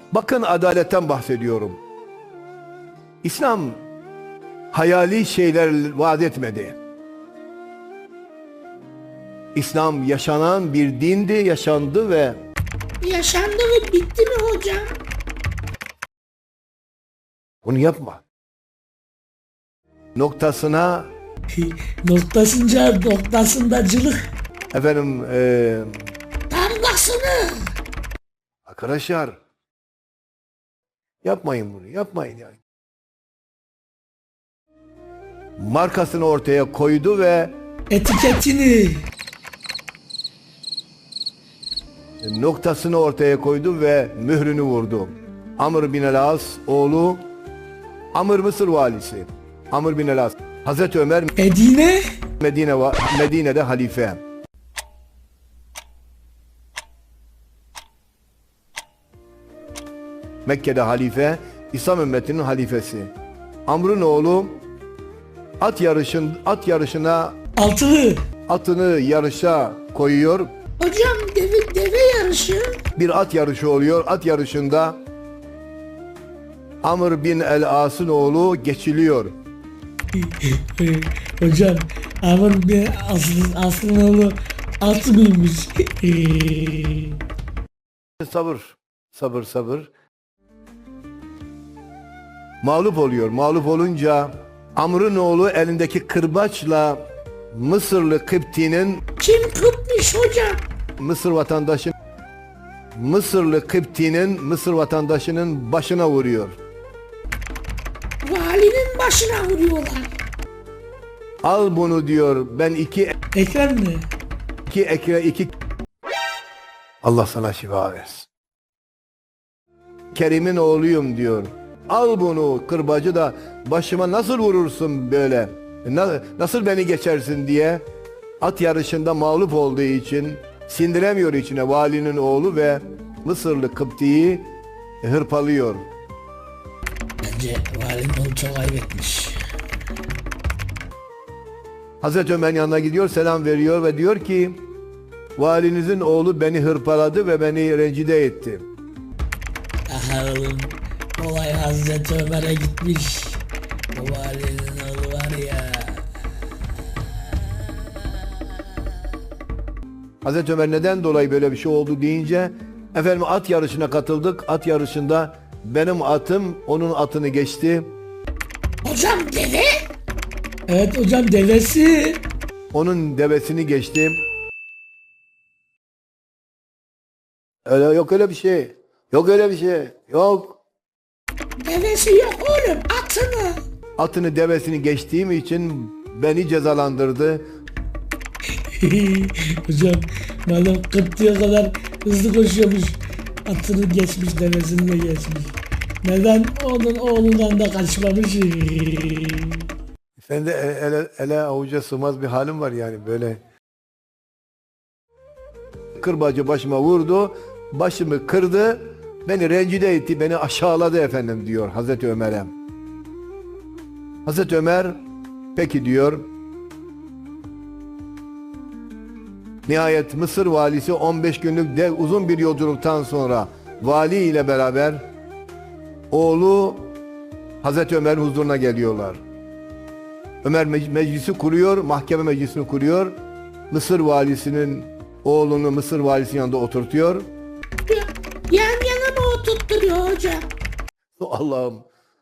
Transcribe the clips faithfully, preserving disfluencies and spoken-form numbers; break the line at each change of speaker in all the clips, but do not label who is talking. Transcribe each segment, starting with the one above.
Bakın adaletten bahsediyorum. İslam hayali şeyler vaat etmedi. İslam yaşanan bir dindi, yaşandı ve
Yaşandı ve bitti mi hocam?
bunu yapma. Noktasına
Noktasınca noktasındacılık.
efendim e,
Damgasını.
arkadaşlar yapmayın bunu, yapmayın yani. Markasını ortaya koydu ve
Etiketini.
noktasını ortaya koydu ve mührünü vurdu. Amr bin el-As oğlu, Amr Mısır valisi. Amr bin el-As. Hazreti Ömer
Medine.
Medine Medine'de halife. Mekke'de halife, İslam ümmetinin halifesi. Amr'ın oğlu at yarışın at yarışına
Altılı.
atını yarışa koyuyor.
Hocam deve, deve yarışı.
Bir at yarışı oluyor. At yarışında Amr bin el-As'ın oğlu geçiliyor.
Hocam Amr bir aslı, aslında oğlu altı mıymış?
Sabır, sabır, sabır. Mağlup oluyor. Mağlup olunca Amr'ın oğlu elindeki kırbaçla Mısırlı Kıpti'nin
Kim kıpmış hocam?
Mısır vatandaşı Mısırlı Kıpti'nin Mısır vatandaşının başına vuruyor.
Valinin başına vuruyorlar.
Al bunu diyor. Ben iki
Ekrem mi?
iki ekre iki Allah sana şifa versin. Kerim'in oğluyum diyor. Al bunu kırbacı da başıma nasıl vurursun böyle? Na- nasıl beni geçersin diye at yarışında mağlup olduğu için sindiremiyor içine valinin oğlu ve Mısırlı Kıpti'yi hırpalıyor.
Bence valinin oğlu çok ayıp etmiş.
Hazreti Ömer'in yanına gidiyor, selam veriyor ve diyor ki valinizin oğlu beni hırpaladı ve beni rencide etti.
Aha oğlum. Olay Hazreti Ömer'e gitmiş. O valinin oğlu var ya.
Hazreti Ömer neden dolayı böyle bir şey oldu deyince efendim at yarışına katıldık. At yarışında benim atım onun atını geçti.
Hocam deve? Evet hocam devesi.
Onun devesini geçti. Öyle yok öyle bir şey. Yok öyle bir şey. Yok.
Devesi yok oğlum atını.
Atını devesini geçtiğim için beni cezalandırdı.
Hocam malum Kıpti'ye kadar hızlı koşuyormuş. Atını geçmiş devesini de geçmiş. Neden onun oğlundan da kaçmamış?
Sen de e- ele, ele avuca sığmaz bir halim var yani böyle. Kırbacı başıma vurdu, başımı kırdı, beni rencide etti, beni aşağıladı efendim diyor Hazreti Ömer'e. Hazreti Ömer peki diyor. Nihayet Mısır valisi on beş günlük dev uzun bir yolculuktan sonra vali ile beraber oğlu Hazreti Ömer'in huzuruna geliyorlar. Ömer mec- meclisi kuruyor, mahkeme meclisini kuruyor. Mısır valisinin oğlunu Mısır valisinin yanında oturtuyor.
Yan yana mı oturtturuyor hocam?
Allah'ım.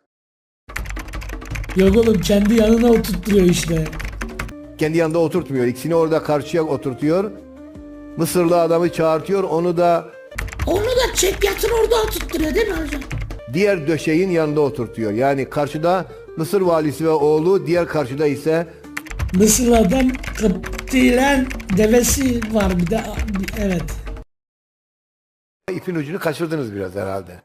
Yok oğlum kendi yanına oturtturuyor işte.
Kendi yanında oturtmuyor. İkisini orada karşıya oturtuyor. Mısırlı adamı çağırtıyor. Onu da
Onu da çek yatır orada oturtturuyor değil mi hocam?
diğer döşeğin yanında oturtuyor. Yani karşıda Mısır valisi ve oğlu, diğer karşıda ise
Mısır'dan Kıpti'len devesi var bir de evet.
ipin ucunu kaçırdınız biraz herhalde.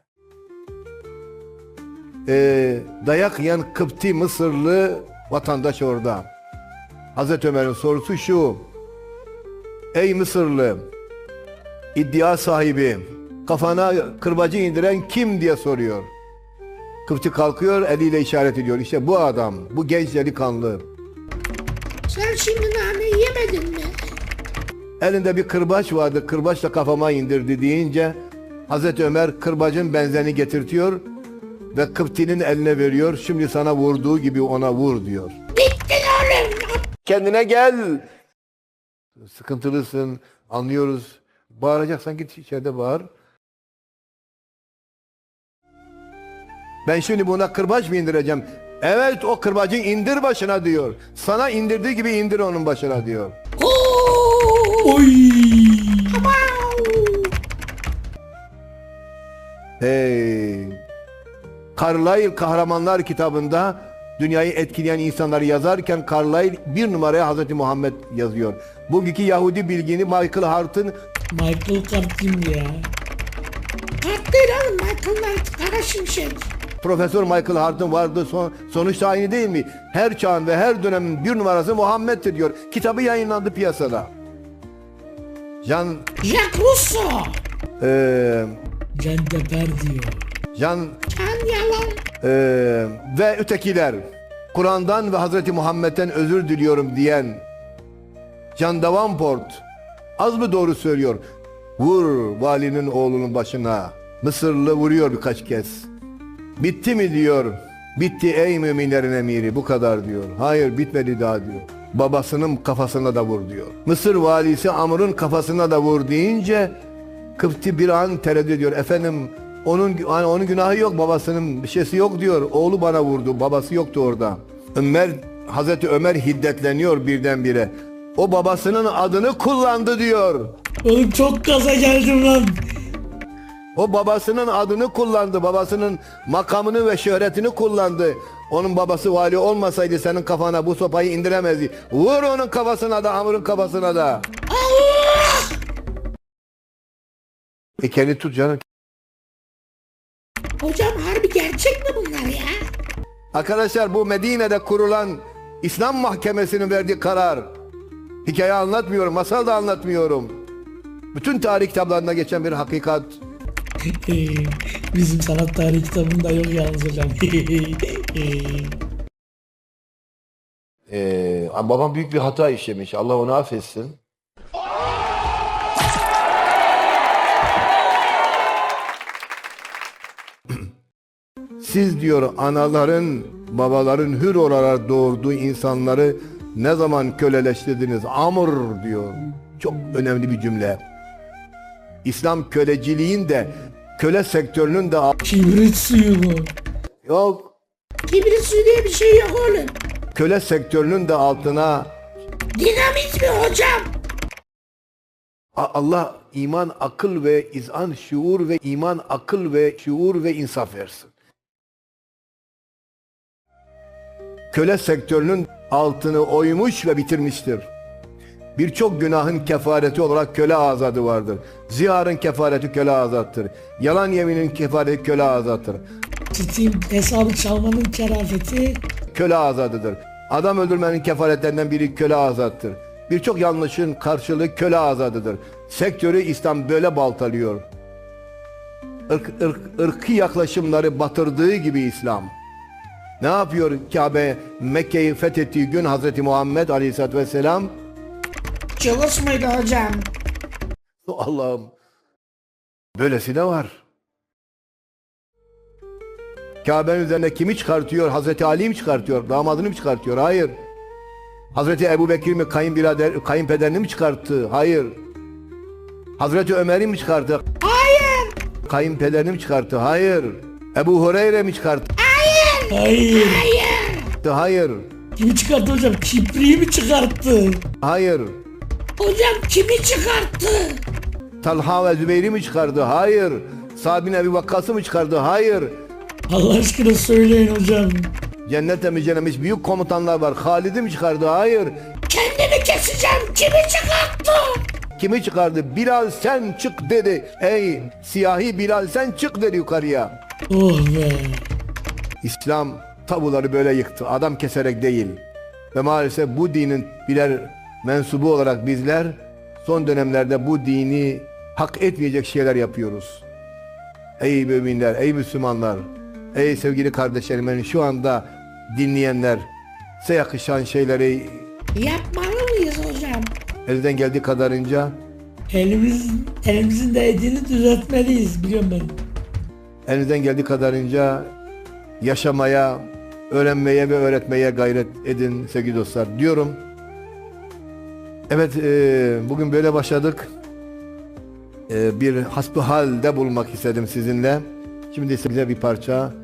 Ee, dayak yiyen Kıpti Mısırlı vatandaş orada. Hazreti Ömer'in sorusu şu. Ey Mısırlı, iddia sahibi, kafana kırbacı indiren kim diye soruyor. Kıpti kalkıyor, eliyle işaret ediyor. İşte bu adam, bu genç delikanlı.
Sen şimdi nane yemedin mi?
Elinde bir kırbaç vardı, kırbaçla kafama indirdi deyince Hazreti Ömer kırbacın benzerini getirtiyor ve Kıpti'nin eline veriyor. Şimdi sana vurduğu gibi ona vur diyor.
Bittin oğlum.
Kendine gel. Sıkıntılısın, anlıyoruz. Bağıracaksan git içeride bağır. Ben şimdi buna kırbaç mı indireceğim? Evet, o kırbacı indir başına diyor. Sana indirdiği gibi indir onun başına diyor.
Oy.
Hey. Carlyle Kahramanlar kitabında dünyayı etkileyen insanları yazarken Carlyle bir numaraya Hazreti Muhammed yazıyor. Bugünkü Yahudi bilgini Michael Hart'ın
Michael Kart kim ya? Kart değil oğlum, Michael Knight, Kara Şimşek.
Profesör Michael Hart'ın vardı son, sonuçta aynı değil mi? Her çağın ve her dönemin bir numarası Muhammed'tir diyor. Kitabı yayınlandı piyasada. Jean
Jacques Rousseau.
eee
Can Deper diyor.
Jean
Can yalan.
eee ve ötekiler Kur'an'dan ve Hazreti Muhammed'den özür diliyorum diyen Jean Davenport az mı doğru söylüyor? Vur valinin oğlunun başına. Mısırlı vuruyor birkaç kez. Bitti mi diyor. Bitti ey müminlerin emiri, bu kadar diyor. Hayır, bitmedi daha diyor. Babasının kafasına da vur diyor. Mısır valisi Amr'ın kafasına da vur deyince Kıpti bir an tereddüt ediyor. Efendim onun hani onun günahı yok, babasının bir şeysi yok diyor. Oğlu bana vurdu, babası yoktu orada. Ömer Hazreti Ömer hiddetleniyor birdenbire. O babasının adını kullandı diyor.
Oğlum çok gaza geldim lan.
O babasının adını kullandı. Babasının makamını ve şöhretini kullandı. Onun babası vali olmasaydı senin kafana bu sopayı indiremezdi. Vur onun kafasına da, Amr'ın kafasına da.
Allah!
E kendi tut canım.
Hocam harbi gerçek mi bunlar ya?
Arkadaşlar, bu Medine'de kurulan İslam Mahkemesi'nin verdiği karar. Hikaye anlatmıyorum, masal da anlatmıyorum. Bütün tarih kitaplarında geçen bir hakikat.
Bizim sanat tarihi kitabında yok yalnız hocam.
Ee, babam büyük bir hata işlemiş. Allah onu affetsin. Siz diyor anaların, babaların hür olarak doğurduğu insanları ne zaman köleleştirdiniz? Amr diyor. Çok önemli bir cümle. İslam köleciliğin de köle sektörünün de
Kibrit suyu mu?
yok.
Kibrit suyu diye bir şey yok oğlum.
Köle sektörünün de altına
Dinamit mi hocam?
A- Allah iman, akıl ve izan, şuur ve iman, akıl ve şuur ve insaf versin. Köle sektörünün altını oymuş ve bitirmiştir. Birçok günahın kefareti olarak köle azadı vardır. Ziharın kefareti köle azattır. Yalan yeminin kefareti köle azattır.
Steam hesabı çalmanın kerafeti.
Köle azadıdır. Adam öldürmenin kefaretlerinden biri köle azattır. Birçok yanlışın karşılığı köle azadıdır. Sektörü İslam böyle baltalıyor. Irk, ırk, ırkı yaklaşımları batırdığı gibi İslam. Ne yapıyor Kabe Mekke'yi fethettiği gün Hazreti Muhammed Aleyhisselatü Vesselam?
Cılız mıydı hocam?
Allah'ım, böylesi de var. Kabe'nin üzerine kimi çıkartıyor? Hazreti Ali mi çıkartıyor? Damadını mı çıkartıyor? Hayır. Hazreti Ebu Bekir mi kayınbirader, kayınpederini mi çıkarttı? Hayır. Hazreti Ömer'i mi çıkarttı?
Hayır.
Kayınpederini mi çıkarttı? Hayır. Ebu Hureyre mi çıkarttı?
Hayır.
Hayır.
Kimi çıkarttı hocam? Kibriyi mi çıkarttı?
Hayır.
Hocam kimi çıkarttı?
Talha ve Zübeyir'i mi çıkardı? Hayır. Sa'd bin Ebi Vakkas'ı mı çıkardı? Hayır.
Allah aşkına söyleyin hocam.
Cennete müjdelenmiş büyük komutanlar var. Halid'i mi çıkardı? Hayır.
Kendimi keseceğim. Kimi çıkarttı?
Kimi çıkardı? Bilal sen çık dedi. Ey siyahi Bilal sen çık dedi yukarıya.
Oh be.
İslam tabuları böyle yıktı. Adam keserek değil. Ve maalesef bu dinin birer mensubu olarak bizler son dönemlerde bu dini hak etmeyecek şeyler yapıyoruz. Ey müminler, ey Müslümanlar, ey sevgili kardeşlerim, beni şu anda dinleyenler, size yakışan şeyleri
Yapmalı mıyız hocam?
elden geldiği kadarınca
Elimiz, elimizin değdiğini düzeltmeliyiz, biliyorum ben.
Elinizden geldiği kadarınca yaşamaya, öğrenmeye ve öğretmeye gayret edin sevgili dostlar diyorum. Evet, e, bugün böyle başladık. E, bir hasbihal de bulmak istedim sizinle. Şimdi size bir parça